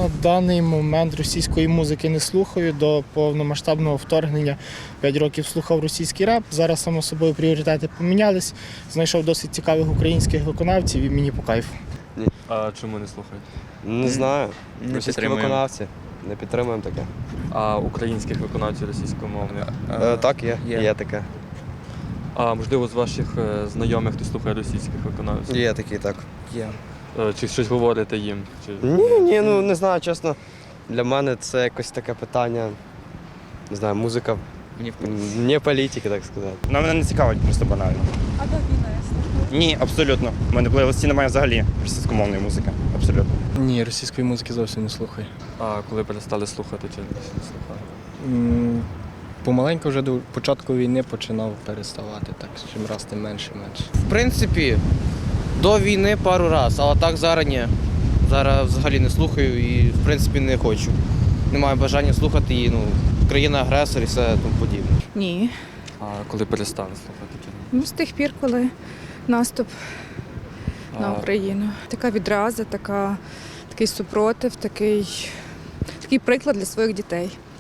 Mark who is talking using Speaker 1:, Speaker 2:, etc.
Speaker 1: На даний момент російської музики не слухаю. До повномасштабного вторгнення 5 років слухав російський реп. Зараз, само собою, пріоритети помінялись. Знайшов досить цікавих українських виконавців і мені по кайфу.
Speaker 2: А чому не слухаєте?
Speaker 3: Не знаю. Російські
Speaker 4: підтримуємо.
Speaker 3: виконавці. Не підтримуємо таке.
Speaker 2: А українських виконавців російськомовних?
Speaker 3: Так, є.
Speaker 4: є.
Speaker 3: Є таке.
Speaker 2: А можливо, з ваших знайомих хто слухає російських виконавців?
Speaker 3: Є такі, так.
Speaker 4: Є.
Speaker 2: Чи щось говорите їм? Чи...
Speaker 3: Ні, ну не знаю, чесно. Для мене це якось таке питання. Не знаю, музика не політики, так сказати.
Speaker 5: Мене не цікавить просто банально.
Speaker 6: А до війни слухали?
Speaker 5: Ні, абсолютно. У мене в плейлисті немає взагалі російськомовної музики. Абсолютно.
Speaker 7: Ні, російської музики зовсім не слухаю.
Speaker 2: А коли перестали слухати, чи не слухали?
Speaker 7: Помаленьку вже до початку війни починав переставати, так, чим раз тим менше.
Speaker 4: В принципі, до війни пару разів, але так зараз ні. Зараз взагалі не слухаю і, в принципі, не хочу. Не маю бажання слухати її, країна-агресор і все тому подібне.
Speaker 6: Ні.
Speaker 2: А коли перестали слухати, чи не?
Speaker 6: З тих пір, коли наступ на
Speaker 2: А,
Speaker 6: Україну. Така відраза, такий супротив, такий приклад для своїх дітей.